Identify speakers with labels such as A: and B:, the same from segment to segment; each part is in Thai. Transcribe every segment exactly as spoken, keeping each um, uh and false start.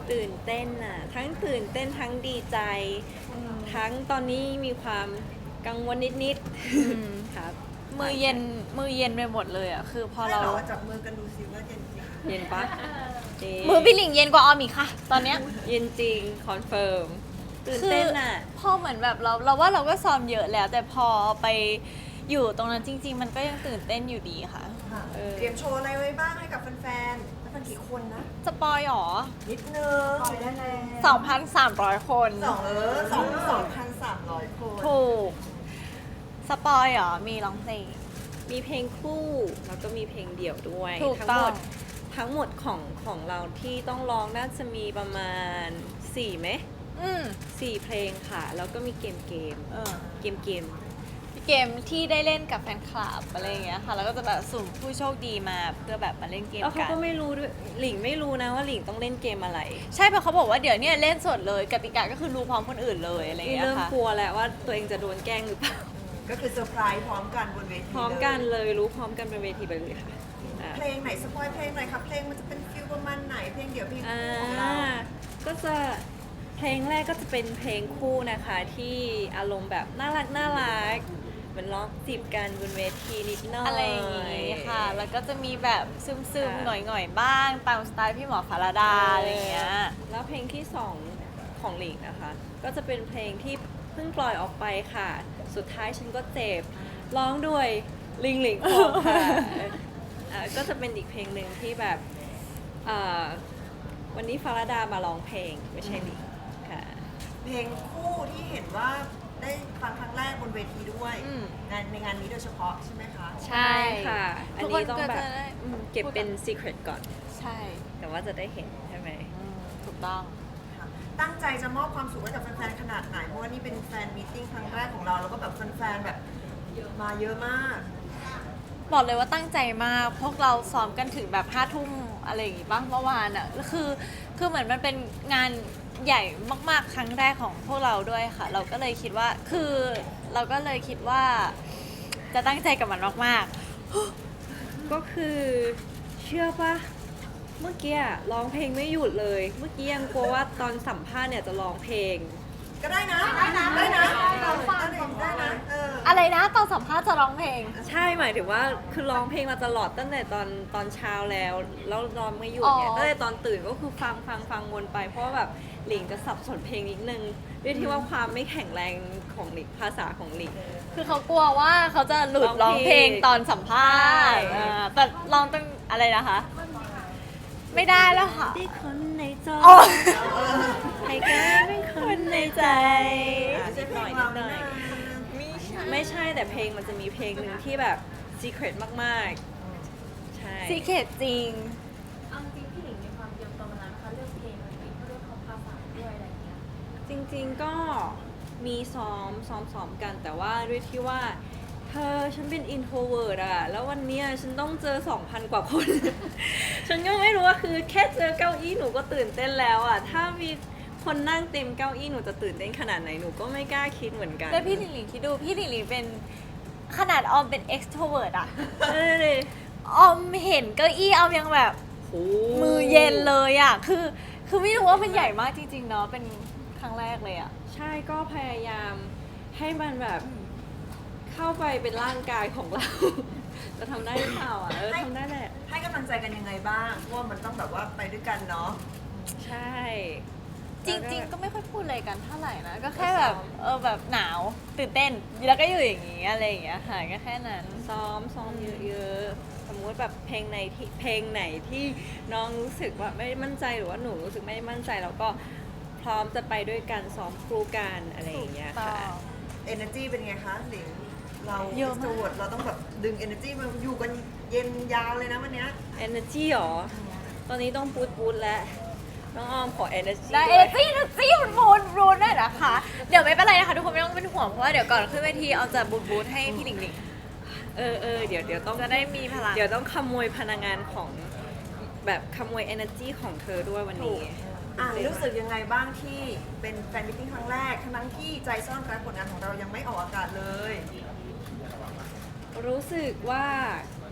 A: ตื่นเต้นอ่ะทั้งตื่นเต้นทั้งดีใจ ทั้งตอนนี้มีความกังวลนิดๆครับ
B: มือเย็นมือเย็นไปหมดเลยอ่ะคือพอ
C: ใช่
B: เรา
C: เหรอจับมือกันดูซิว่าเย็นจริง
A: เย็นปะจริง
B: มือพี่หลิงเย็นกว่าออมอีกค่ะ ตอนเนี้ย
A: เย็นจริงคอนเฟิร์มตื่นเต้นอ่ะ
B: พอเหมือนแบบเราเราว่าเราก็ซ้อมเยอะแล้ว แต่พอไปอยู่ตรงนั้นจริง ๆ มันก็ยังตื่นเต้นอยู่ดีค่ะ
C: ค่ะ
A: เออ
C: เตรียมโชว์อะไรไว้บ้างให้กับแฟนๆแล้วแฟนกี่คนนะ
B: สปอยหรอ
C: นิดนึงปล่อยได้แล้ว
B: สองพันสามร้อย คน
C: สองเออสองสองพันสามร้อยคน
B: ถูก สปอยหรอ มีร้องเพลง
A: มีเพลงคู่แล้วก็มีเพลงเดี่ยวด้วย
B: ถูก
A: ทั้
B: ต้อง
A: หมดทั้งหมดของของเราที่ต้องร้องน่าจะมีประมาณสี่ไหม
B: อืม
A: สี่เพลงค่ะ แล้วก็มีเกมเกม
B: เออ
A: เกมเกม
B: เกมที่ได้เล่นกับแฟนคลับอะไรอย่างเงี้ยค่ะ แล้วก็จะแบบสุ่มผู้โชคดีมาเพื่อแบบมาเล่นเกม
A: แล้วเขา
B: กัน
A: ก็ไม่รู้ด้วยหลิงไม่รู้นะว่าหลิงต้องเล่นเกมอะไร
B: ใช่เพราะเขาบอกว่าเดี๋ยวเนี้เล่นสดเลยกติกาก็คือรู้พร้อมคนอื่นเลยอะไรอย่าง
A: นี่
B: เงี้ย
A: เริ่ม
B: ค่ะ
A: กลัวแล้วว่าตัวเองจะโดนแกล้งหรือเปล่า
C: ก็คือเซอร์ไพรส์พร้อมกันบนเวที
A: พร้อมกันเลยรู้พร้อมกันเป็นเวทีไปเลยค่ะอ่า
C: เพลงไหนสปอยเพลงไหนครับเพลงมันจะเป็นฟิลประมาณไหนเพลงเดี่ยวเพลง
A: อ่า
C: คู่ของเรา
A: ก็จะเพลงแรกก็จะเป็นเพลงคู่นะคะ ที่อารมณ์แบบน่ารักน่ารักเหมือนร้องจีบกันบนเวทีนิดหน่อย
B: อะไรอย่างงี้ค่ะ แล้วก็จะมีแบบซึม
A: ค่ะ
B: ๆ หน่อยๆ บ้าง ตามสไตล์พี่หมอฟาราดาอะไรอย่างเงี้ย
A: แล้วเพลงที่สองของหลิงนะคะ ก็จะเป็นเพลงที่เพิ่งปล่อยออกไปค่ะ สุดท้ายฉันก็เจ็บร้องด้วยลิงหลิงของค่ะอ่าก็จะเป็นอีกเพลงหนึ่งที่แบบอ่าวันนี้ฟาราดามาร้องเพลงไม่ใช่หลิงค่ะ
C: เพลงคู่ที่เห็นว่าได้ฟังครั้งแรกบนเวทีด้วย
B: อืม
C: งานในงานนี้โดยเฉพาะใช่ไหมคะ
B: ใช่
A: ค่ะ อัน
B: ทุกค
A: นี้
B: น
A: ต้อง
B: ก็
A: แบบ
B: จะได้
A: อืมเก็บเป็น secret ก่อน
B: ใช่
A: แต่ว่าจะได้เห็นใช่ไหม
B: อืมถูกต้อง
C: ค่ะตั้งใจจะมอบความสุขให้กับแฟนๆขนาดไหนเพราะว่านี่เป็นแฟนมีตติ้งครั้งแรกของเราแล้วก็แบบแฟนๆแบบมาเยอะมาก
B: บอกเลยว่าตั้งใจมาก พวกเราซ้อมกันถึงแบบห้าทุ่มอะไรอย่างงี้บ้างเมื่อวานอ่ะ คือ คือเหมือนมันเป็นงานใหญ่มากๆ ครั้งแรกของพวกเราด้วยค่ะ เราก็เลยคิดว่า คือเราก็เลยคิดว่า จะตั้งใจกับมันมาก
A: ก็คือเชื่อปะเมื่อกี้อะร้องเพลงไม่หยุดเลย เมื่อกี้ยังกลัวว่าตอนสัมภาษณ์เนี่ยจะร้องเพลง
C: ก็ได้นะได้นะได้นะเราฟังได้นะเออ
B: ๆ อะไรนะตอนสัมภาษณ์จะร้องเพลง
A: ใช่หมายถึงว่าคือร้องเพลงมาตลอดตั้งแต่ตอนตอนเช้าแล้วแล้วร้องไม่หยุดเนี่ย
B: อ๋อ
A: ตั้งแต่ตอนตื่นก็คือฟังฟังฟังวนไป เพราะว่าแบบหลิงจะสับสนเพลงนิดนึงด้วยที่ว่าความไม่แข็งแรงของหลิงภาษาของหลิง
B: คือเขากลัวว่าเขาจะหลุด
A: ร้
B: ร้
A: อ
B: อง ง
A: เพ
B: เพ
A: ล
B: ล
A: ง
B: งตอนสัมภาษณ์
A: ใช่
B: อ่าแต่ลองต้องอะไรนะคะ ไม่ได้แล้วค่ะ
A: ที่คนในจอ
B: อ๋อ
A: ให้กลายเป็นคนในใจ
C: ไม่
A: อ่ะ
C: ใช่
A: นิด
C: เพ
A: ห
C: ล
A: น่อง ยนิ
C: เรา
A: ดหน่อย
C: นะ
A: ไม่ใช่แต่เพลงมันจะมีเพลงหนึ่งที่แบบ secret มากๆ ใช่
B: ซีเคทจริง
D: เอาจริงพี่หลิงมีความเตรียมตัวมานานนะคะเรื่องเพลงอะไรอย่างเงี้ยเรื่องของภาษาด้วยอะไรอย่างเงี้ย
A: จริงๆก็มีซ้อมซ้อมซ้อมกันแต่ว่าด้วยที่ว่า เธอฉันเป็น introvert อะแล้ววันเนี้ยฉันต้องเจอ สองพัน กว่าคน ฉันก็ไม่รู้ว่าคือแค่เจอเก้าอี้หนูก็ตื่นเต้นแล้วอะถ้ามีคนนั่งเต็มเก้าอี้หนูจะตื่นเต้นขนาดไหนหนูก็ไม่กล้าคิดเหมือนกัน
B: แล้วพี่หลิงหลิงคิดดูพี่หลิงหลิงเป็นขนาดออมเป็น extrovert อะ
A: เออเลย
B: ออมเห็นเก้าอี้ออมยังแบบ
A: โห
B: มือเย็นเลยอะคือคือไม่รู้ว่ามันใหญ่มากจริงๆเนาะเป็นครั้งแรกเลยอะ
A: ใช่ก็พยายามให้มันแบบเข้าไปเป็นร่างกายของเรา จะทำได้หรือเปล่าอ่ะเออทำได้แหละ
C: ให้กำลังใจกันยังไงบ้างเพราะว่ามันต้องแบบว่าไปด้วยกันเนาะ
A: ใช่
B: จริง ๆ ก็ไม่ค่อยพูดอะไรกันเท่าไหร่นะ ก็แค่แบบเออแบบหนาวตื่นเต้นแล้วก็อยู่อย่างงี้อะไรอย่างเงี้ยค่ะก็แค่นั้น
A: ซ้อมซ้อมเยอะๆสมมุติแบบเพลงไหนที่เพลงไหนที่น้องรู้สึกว่าไม่มั่นใจหรือว่าหนูรู้สึกไม่มั่นใจเราก็พร้อมจะไปด้วยกันซ้อมครูกันอะไรอย่างเงี้ยค่ะ
C: energy เป็นไงคะหลิงเรา
B: เยอะมาก
C: extrovert เราต้องแบบดึง energy มาอยู่กันเย็นยาวเลยนะวันเนี้ย
A: energy หรอ ตอนนี้ต้องปูดปูดแล้วน้องออมขอ energy
B: ได้
A: ด้
B: เอ
A: วย
B: จี้นะจี้มันบูนบูนได้นะคะ เดี๋ยวไม่เป็นไรนะคะทุกคนไม่ต้องเป็นห่วงเพราะว่าเดี๋ยวก่อนขึ้นเวทีเอาจะบูนบูนให้พี่หลิงหลิง
A: เออเออเดี๋ยวเดี๋ยวต้อง
B: จะได้มีพลัง
A: เดี๋ยวต้องขโมยพลังงานของแบบขโมย energy ของเธอด้วยวันนี้
C: อ่ะรู้สึกยังไงบ้างที่เป็นแฟนมิตติ้งครั้งแรกทั้งที่ใจซ่อนรักผลงานของเรายังไม่ออกอากาศเลย
A: รู้สึกว่า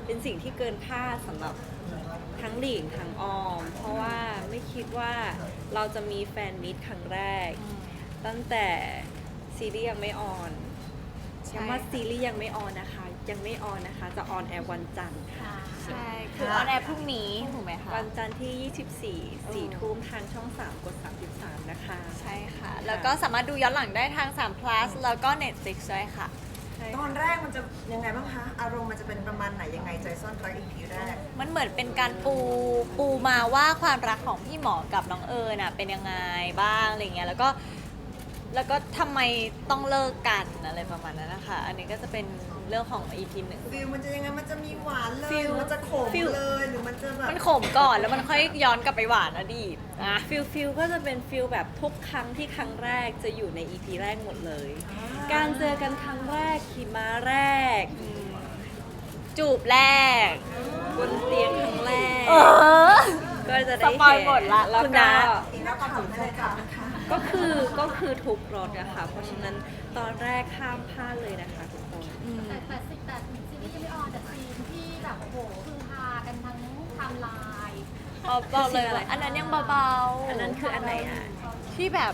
A: เป็นสิ่งที่เกินคาดสำหรับทั้งหลิงทั้งออม เพราะว่าไม่คิดว่าเราจะมีแฟนมิตครั้งแรก ตั้งแต่ซีรีส์ยังไม่ออนย้ำว่าซีรีส์ยังไม่ออนนะคะ ยังไม่ออนนะคะ จะออนแอร์วันจันทร์ค่ะ
B: ใช่คือออนแอร์พรุ่งนี้ถูกไหมคะ
A: วันจันทร์ที่ ยี่สิบสี่ สี่ทุ่มทางช่อง สาม กด สามสิบสาม นะคะ
B: ใช่ค่ะ แล้วก็สามารถดูย้อนหลังได้ทาง สาม plus แล้วก็ Netflix ด้วยค่ะ
A: ใช่
C: ตอนแรกมันจะยังไงบ้างคะ อารมณ์มันจะเป็นประมาณไหนยังไงใจซ่อนรัก อี พี แรก
B: มันเหมือนเป็นการปูปูมาว่าความรักของพี่หมอกับน้องเอิญน่ะเป็นยังไงบ้างอะไรเงี้ยแล้วก็แล้วก็ทำไมต้องเลิกกันอะไรประมาณนั้นนะคะ อันนี้ก็จะเป็นเรื่องของ อี พี หนึ่ง
C: ฟิลมันจะยังไง มันจะมีหวานเลย
A: ฟิล
C: หรือมันจะขม
A: ฟิล
C: เลย หรือมันจะแบบ
B: มันขมก่อนแล้วมันค่อยย้อนกลับไปหวานอดีตนะ
A: ฟิลฟิลก็จะเป็นฟิลแบบทุกครั้งที่ครั้งแรกจะอยู่ใน อี พี แรกหมดเลย การเจอกันครั้งแรกขี่ม้าแรก
B: จูบแรก
A: บนเตียงครั้งแรก
B: เออ
A: ก็จะได้
B: สปอย
A: เห็น
B: หมดละ
A: แล้ว
B: คุณ
A: ก็
B: นะ
C: อีกแล้วความสนใจค่ะ
A: ก็คือก็คือทุกรถอะค่ะ เพราะฉะนั้นตอนแรกห้ามพลาดเลยนะคะทุกคน
D: แต่แต่สิแต่ซีรีส์ยังไม่ออนแต่ซีนที่แบบโอ้โหคือฮากันทั้งไทม์ไลน์
B: เอาบอกเลยว่าอันนั้นยังเบาๆ
A: อันนั้นคืออันไหนอะ
B: ที่แบบ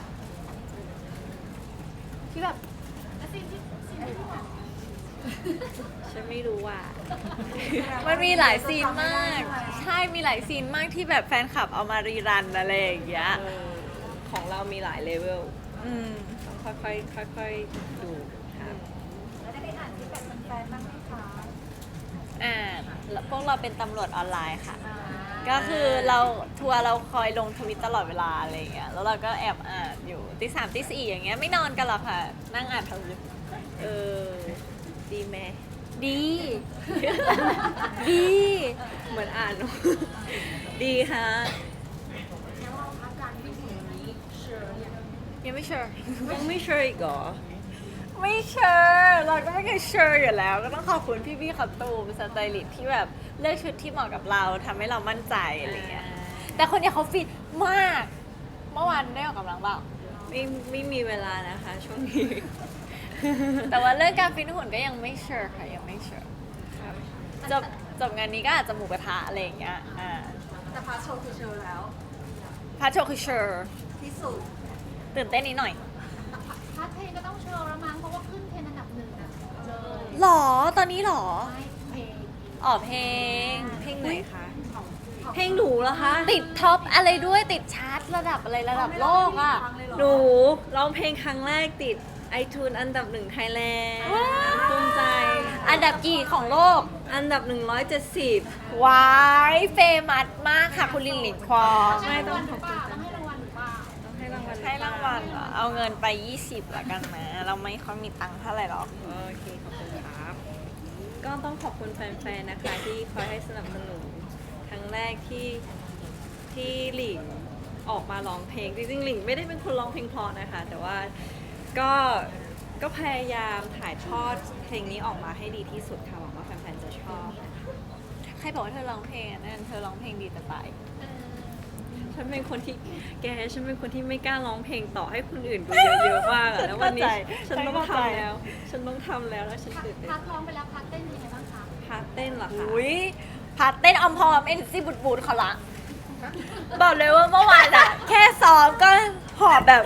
B: ที่แบบ
D: และซีนที่ซีนที่แบบ
A: ฉันไม่รู้ว่า
B: มันมีหลายซีนมาก ใช่มีหลายซีนมากที่แบบแฟนคลับเอามารีรันอะไรอย่างเงี้ย
A: เออของเรามีหลายเลเวล
B: อืม
A: ต้องค่อยๆค่อยๆดูครับ
D: แล้วได้ไปอ่านที่แบบแฟนๆบ้างไหมคะ
B: อ่าแล้วพวกเราเป็นตำรวจออนไลน์ค่ะ ก็คือเราทัวร์เราคอยลงทวิตตลอดเวลาอะไรอย่างเงี้ย แล้วเราก็แอบอ่านอยู่ตีสามตีสี่อย่างเงี้ยไม่นอนกันหรอกค่ะ นั่งอ่านทวิต
A: เออ ดีไหม
B: ดี ดี
A: เหมือนอ่าน ดีค่ะ
D: แล้วเราพักการที่ถึงนี้เชิญเนี่ย
B: ยังไม่เชื่อ
A: ยังไม่เชื่ออีกเหรอ
B: ไม่เชื่อเราก็ไม่เคยเชื่ออยู่แล้ว ก็ต้องขอบคุณพี่ๆขับตูมสไตลิสต์ที่แบบเลือกชุดที่เหมาะกับเราทำให้เรามั่นใจอะไรเงี้ย แต่คนเนี้ยเขาฟิตมาก เมื่อวานได้ออกกำลังเปล่า
A: ไม่ไม่มีเวลานะคะช่วงนี้
B: แต่ว่าเรื่องการฟิตหุ่นก็ยังไม่เชื่อค่ะยังไม่เชื่อจบจบงานนี้ก็อาจจะหมูกระทะอะไรอย่างเงี้ยอ่า
C: แต่พาร์ทโชว์คือโชว์แล้ว
B: พาร์ทโชว์คือเชื่อ
C: ที่สุด
B: ตื่นเต้นนิดหน่อย
D: พาร์ทเพลงก็ต้องเชิญแล้วมั้งเพราะว่าขึ้นเทรนด์อันดับหนึ่งอะเลย
B: หรอตอนนี้หรอ
D: ไม่เพลง
B: อ๋อเพลง
A: เพลงไหนคะ เพลงหนูเหรอคะ
B: ติดท็อปอะไรด้วยติดชาร์ตระดับอะไรระดับโลกอ่ะ
A: หนูร้องเพลงครั้งแรกติด iTunes อันดับหนึ่งไทยแลนด์
B: ว้าว
A: ภูมิใจ
B: อันดับกี่ของโลก
A: อันดับหนึ่งร้อยเจ็ดสิบ
B: วายเฟมัสมากค่ะคุณลินหลิงควอง
A: ไม่
D: ให้
A: ต้
D: รา
A: อง ง
D: วัลหรือเปล่าต้องให้รางวัลหรือเปล่า
A: ต้องให้รางวัล
B: ให้รางวัลเหรอเอาเงินไป ยี่สิบละกันนะ เราไม่ค่อยมีตังค์เท่าไหร่หรอก
A: โอเค ขอบคุณครับ ก็ต้องขอบคุณแฟนๆ นะคะ ที่คอยให้สนับสนุนครั้งแรกที่ที่หลิงออกมาร้องเพลง จริงๆ หลิงไม่ได้เป็นคนร้องเพลงเพราะนะคะ แต่ว่าก็ก็พยายามถ่ายทอดเพลงนี้ออกมาให้ดีที่สุดค่ะหวังว่าแฟนๆ จะชอบนะคะ
B: ใครบอกว่าเธอร้องเพลงอ่ะนั่นเธอร้องเพลงดีจะตาย
D: เออ
A: ฉันเป็นคนที่แกฉันเป็นคนที่ไม่กล้าร้องเพลงต่อให้คนอื่นดูเยอะๆมากอะแล้ววันนี้ฉันต้องทำแล้ว ฉันต้องทำแล้วแล้วฉัน
D: พัก
A: ตื่นเต้น
D: พักร้องไปแล้วพักเต้นยังไงบ้างคะ
A: พาร์ทเต้นเหรอคะ
B: อุ้ยพาร์ทเต้นออมพอมเอ็นซีบุดบูดเขาละบอกเลยว่าเมื่อวานอ่ะ แค่ซ้อมก็หอบแบบ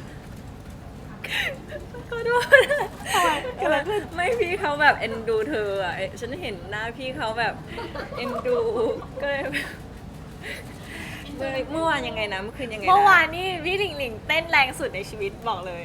A: ก็ด้วยไม่พี่เขาแบบเอ็นดูเธออ่ะเอ๊ะฉันเห็นหน้าพี่เขาแบบเอ็นดูก็เลยแบบเมื่อเมื่อวานยังไงนะเมื่อคืนยังไงะ
B: เมื่อวานนี่พี่หลิงหลิงเต้นแรงสุดในชีวิตบอกเลย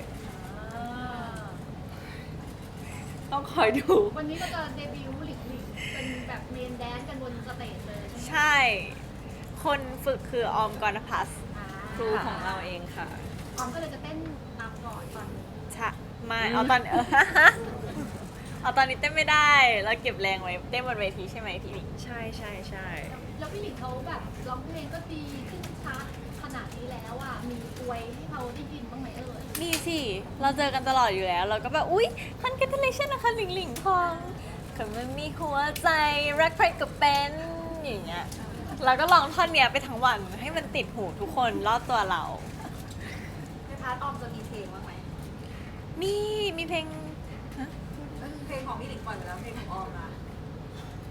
A: ต้องคอยดู
D: วันนี้เราจะเดบิวต์หลิงหลิงเป็นแบบเมนแดนซ์กันบนสเตจเลยใช่ไหม
B: ใช่ คนฝึกคือออมกรณพัส
D: อ่า
A: ครูของเราเองค่ะ
D: ออมก็เลยจะเต้นตามก่อนตอนนี้
B: ใช่ไม่เอาตอนเออ เอาตอนนี้เต้นไม่ได้เราเก็บแรงไว้เต้นบนเวทีใช่ไหมพี่หลิง
A: ใช่ใช่ใช่
D: แล้วพี่หลิงเขาแบบร้องเพลงก็ดีขึ้นชาร์ตขนาดนี้แล้วอ่ะมีอวยให้เขาได้ยินบ้างไหมเอ่ย
B: มีสิ เราเจอกันตลอดอยู่แล้ว เราก็แบบ อุ๊ย congratulation นะคะหลิงหลิงทองคือมันมีหัวใจ รักใครก็เป็น อย่างเงี้ย เราก็ลองท่อนเนี้ยไปทั้งวันให้มันติดหูทุกคนรอบตัวเรา
C: ในพาร์ทออมจะมีเพลงบ้างไหม
B: มี มีเพลง
C: เพลงของพี่หลิงก่อนแล้วเพลงของออมนะ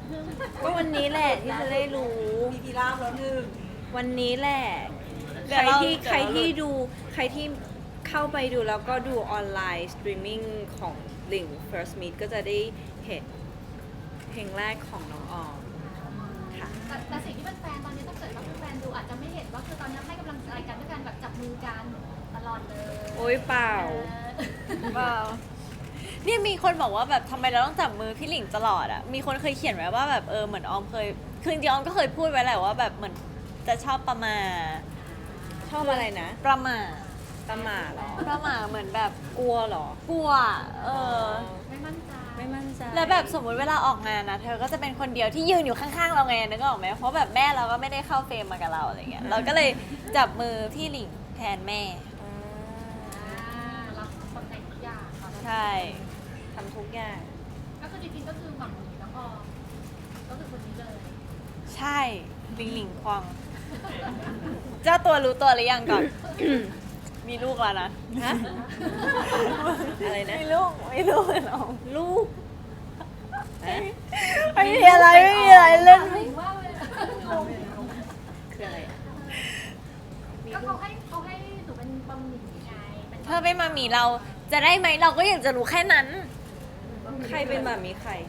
A: ก็วันนี้แหละที่จะได้รู้
C: มีพีราบแล้วหนึ่ง
A: วันนี้แหละ
B: เดี๋
A: ใค
B: ยว
A: ร
B: เรา
A: ที่
B: เดี๋ยวเรา
A: ใครที่ดูใครที่เข้าไปดูแล้วก็ดูออนไลน์สตรีมมิ่งของลิง First Meet ก็จะได้เห็นเพลงแรกของน้องออมค่ะ
D: แต่แต่สิ่งที่เป็นแฟนตอนนี้ถ้าเกิดว่าเป็นแฟนดูอาจจะไม่เห็นว่าคือตอนนี้ให้กำลังใจกันด้วยการแบบจับมือกันตลอดเลย
A: โอ๊ยเปล่า
B: เปล่าเนี่ยมีคนบอกว่าแบบทำไมเราต้องจับมือพี่หลิงตลอดอะมีคนเคยเขียนไว้ว่าแบบเออเหมือนออมเคยคือจริงๆออมก็เคยพูดไว้แหละว่าแบบเหมือนจะชอบประมา
A: ชอบอะไรนะ
B: ประมา
A: ตะหมาเหรอ
B: ประมาเหมือนแบบ
A: กลัวเหรอ
B: กลัวเออ
D: ไม่มั่นใจ
A: ไม่มั่นใจ
B: แล้วแบบสมมุติเวลาออกงานนะเธอก็จะเป็นคนเดียวที่ยืนอยู่ข้างๆเราไงนึกออกไหมเพราะแบบแม่เราก็ไม่ได้เข้าเฟรมมากับเราอะไรเงี้ยเราก็เลยจับมือพี่หลิงแทนแม่
A: อ่า
D: อ่ารับคนในทุกอย่างค่ะ
B: ใช่
A: ทำทุกอย่าง
D: ก็คือจริงๆก็คือหวังดีแล้วก็ก็คือคนนี้เลย
B: ใช่หลิงหลิงควงเจ้าตัวรู้ตัวหรือยังก่อน มีลูกแล้วนะ
A: ฮะ อะไรนะ
B: มีลูกไม่รู้เหรอ
A: ลูกฮะ
B: ไม่มีอะไรไม่มีอะไรเล่น
D: ถึงว่าเลย
A: คืออะไรอะ
D: ก็เขาให้เขาให้หนูเป็นบะหมี่ไงเป็น
B: เธอไม่มามีเราจะได้ไหมเราก็อยากจะรู้แค่นั้น
A: ใครเป็นแบบมีใคร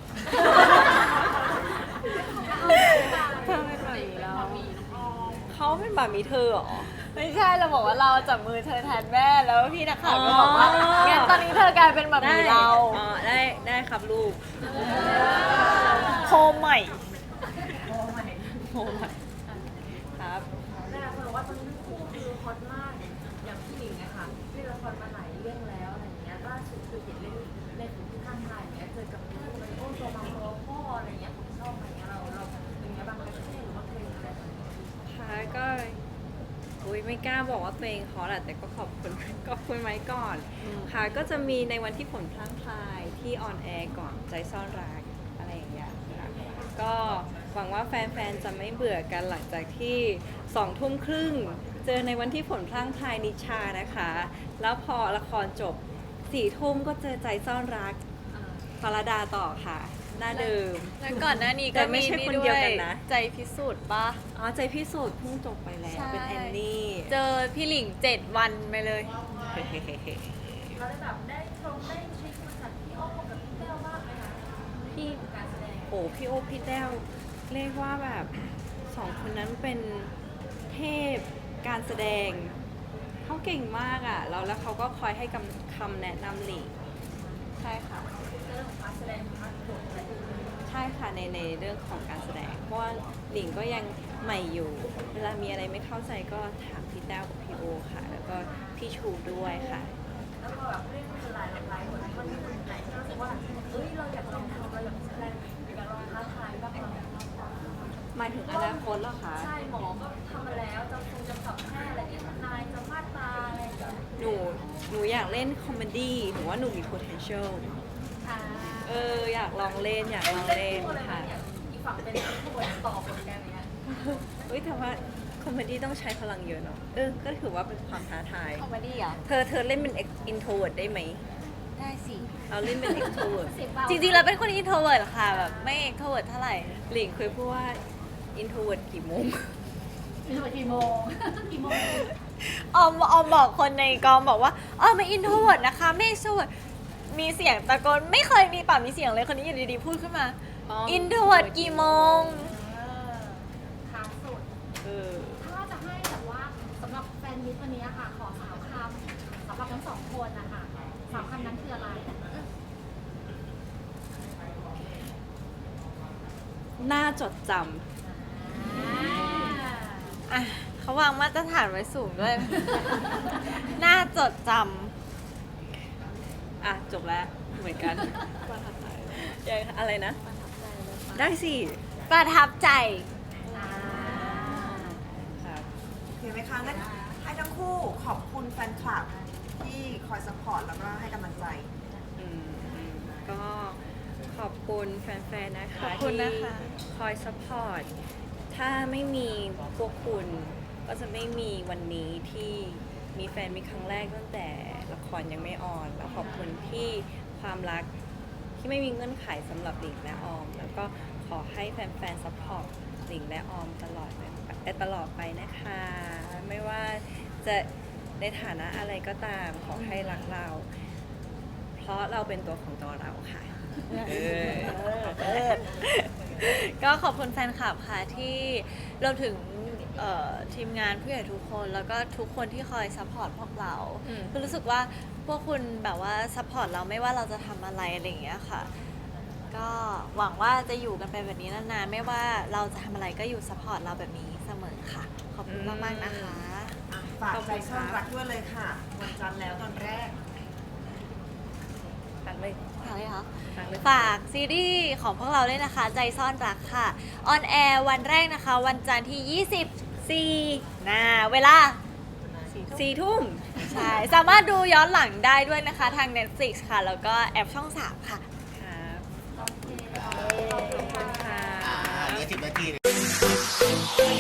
B: เธอเป็นแบบนี้เรา
A: เขาเป็นแบบมีเธอเหรอ
B: ไม่ใช่เราบอกว่าเราจับมือเธอแทนแม่แล้วพี่นักข่าวก็บอกว่า
A: อ๋อ
B: งั้นตอนนี้เธอกลายเป็นแบบมีเรา
A: อ๋อได้ได้ครับลูก
B: โคมใหม่
A: โอ้ยครับ
C: แต่คนบอกว่าตอนนี้ทั้งคู่คือฮอตมากอย่างพี่หลิงนะคะเล่นละครมาหลายเรื่องแล้วอะไรอย่างเงี้ยล่าสุดคือเห็นเล่นเล่นถึงที่ข้างไทยอย่างเงี้ยเจอกับพี่มันโอ้ตัวมาโตพ่ออะไรอย่างเงี้ยผมชอบอะไรเงี้ยเราเราเป็นไงบ้างคะเท่หรือว่าเคยอะไรแบบนี้
A: ค่ะก็อุ้ยไม่กล้าบอกว่าตัวเองฮอตอะแต่ก็ขอบคุณ ขอบคุณไว้ก่อน
B: อืม
A: ค่ะก็จะมีในวันที่ผลพลั้งพลายที่ออนแอร์ก่อนใจซ่อนรักอะไรอย่างเงี้ยค่ะก็หวังว่าแฟนๆจะไม่เบื่อกันหลังจากที่สองทุ่มครึ่งเจอในวันที่ผลพลั้งพลายนิชานะคะ แล้วพอละครจบสี่ทุ่มก็เจอใจซ่อนรักฟาราดาต่อค่ะ หน้าเดิม
B: แล้วก่อนหน้านี้
A: แต่
B: ก็
A: ไม่
B: มี
A: ใช่
B: นี่
A: คน
B: ด้
A: เดียว
B: วย
A: กันนะ
B: ใจพิสูจน์ปะ
A: อ๋อใจพิสูจน์เพิ่งจบไปแล้ว
B: ใช่
A: เป็นแอนนี่
B: เจอพี่หลิงเจ็ดวันไปเลย
C: เราได้แบบได้ชมได้เช็คมาจากพี่อ้อมกับพี่แก้วบ้างไหมคะ
A: พี่
C: การแสดง
A: โอ้พี่โอพี่แต้วเรียกว่าแบบสองคนนั้นเป็นเทพการแสดงเขาเก่งมากอ่ะแล้วแล้วเขาก็คอยให้คำคำแนะนำหลีใช่ค่ะ
C: เรื่องของการแสดงพาร์ทโขนอะไรอย่างเงี้ย
A: ใช่ค่ะในในเรื่องของการแสดง เพราะว่าหลิงก็ยังใหม่อยู่ เวลามีอะไรไม่เข้าใจก็ถามพี่แต้วกับพี่โอค่ะ แล้วก็พี่ชูด้วยค่ะ
C: แล้วก็แบบเรื่องหลายหลายคนมันมีคนไหนที่รู้สึกว่าเอ้ยเราอยากลองทำเราอยากแสดงอยากลองท้าทายบ้างไหม
A: หมายถึงอนาคตเหรอคะ
C: ใช่หมอก็ทำมาแล้วจะคงจะสับแพทย์อะไรเงี้ยทนายจะมาดตาอะไรอย่างเงี้ย
A: หนูหนูอยากเล่นคอมเมดี้หนูว่าหนูมี potential
D: อ่า
A: เอออยากลองเล่นอยากลองเล่น
C: อะไร
A: ค่ะ
C: เนี่ยอีกฝั่งเป็นผู้บริต่อผลกันอย่างเงี้ย
A: เฮ้ยแต่ว่าคอมเมดี้ต้องใช้พลังเยอะเนาะเออก็ถือว่าเป็นความท้าทาย
B: คอมเมดี้เหรอ
A: เธอเธอเล่นเป็น introvert ได้ไหม
B: ได้สิ
A: เราเล่นเป็น extrovert
D: เสียงเบา
B: จริงๆเราเป็นคนอินโทรเวิร์ดค่ะแบบไม่เอ็กโทรเวิร์ดเท่าไหร่
A: หลิงเคยพูดว่า introvert กี่โมง
D: มีตัวกี่โมง กี่โมง
B: ออมออมบอกคนในกองบอกว่าอ๋อไม่อินโทรเวิร์ดนะคะไม่เอ็กโทรเวิร์ดมีเสียงตะโกนไม่เคยมีปากมีเสียงเลยคนนี้อยู่ดีๆพูดขึ้นมา
A: อ๋อ
B: อินโทรเวิร์ดกี่โมง
D: เออท้าสุด
A: เออ
D: ถ้าจะให้แบบว่าสำหรับแฟนมิตรวันนี้อะค่ะ ขอสามคำสำหรับทั้งสองคนนะคะสามคำนั้นคืออะไร
A: น่าจดจ
B: อ่ะเขาวางมาตรฐานไว้สูงด้วย น่าจดจ
A: ำอ่ะ จบแล้วเหมือนกันยังอะไรนะ ได้สิ
B: ำประทับใจ
A: ครับ
C: เห็นไหมคะงั้นให้ทั้งคู่ขอบคุณแฟนคลับที่คอยซัพพอร์ตแล้วก็ให้กำลังใจ
A: อืมอืมก็ขอบคุณแฟนๆ นะคะ
B: ขอบคุณนะคะ
A: ที่คอยซัพพอร์ต ถ้าไม่มีพวกคุณก็จะไม่มีวันนี้ที่มีแฟนมีครั้งแรกตั้งแต่ละครยังไม่ออน แล้วขอบคุณที่ความรักที่ไม่มีเงื่อนไขสำหรับหลิงและออม แล้วก็ขอให้แฟนๆซัพพอร์ตหลิงและออมตลอดไปตลอดไปนะคะ ไม่ว่าจะในฐานะอะไรก็ตามขอให้รักเรา เพราะเราเป็นตัวของตัวเราค่ะเออ
B: ก็ขอบคุณแฟนคลับค่ะที่รวมถึงเอ่อทีมงานผู้ใหญ่ทุกคน แล้วก็ทุกคนที่คอยซัพพอร์ตพวกเรา
A: อืม
B: คือรู้สึกว่าพวกคุณแบบว่าซัพพอร์ตเราไม่ว่าเราจะทำอะไรอะไรอย่างเงี้ยค่ะ ก็หวังว่าจะอยู่กันไปแบบนี้นานๆไม่ว่าเราจะทำอะไรก็อยู่ซัพพอร์ตเราแบบนี้เสมอค่ะ ขอบคุณมากๆนะคะ
E: อ่ะฝากใจซ่อนรักด้วยเลยค่ะ วันจันทร์แล้วตอนแรก
A: ตังเลย
B: ฝากเลยคะ
A: ตังเลย
B: ฝากซีรีส์ของพวกเราด้วยนะคะ ใจซ่อนรักค่ะ ออนแอร์วันแรกนะคะ วันจันทร์ที่ ยี่สิบสี่นะเวลา
A: สี่ทุ่ม
B: ใช่ สามารถดูย้อนหลังได้ด้วยนะคะทาง Netflix ค่ะ แล้วก็แอปช่อง สาม ค่ะ
A: ครับ
D: โอเค
A: ขอบคุณค่ะ
F: อ่าเหลือสิบนาที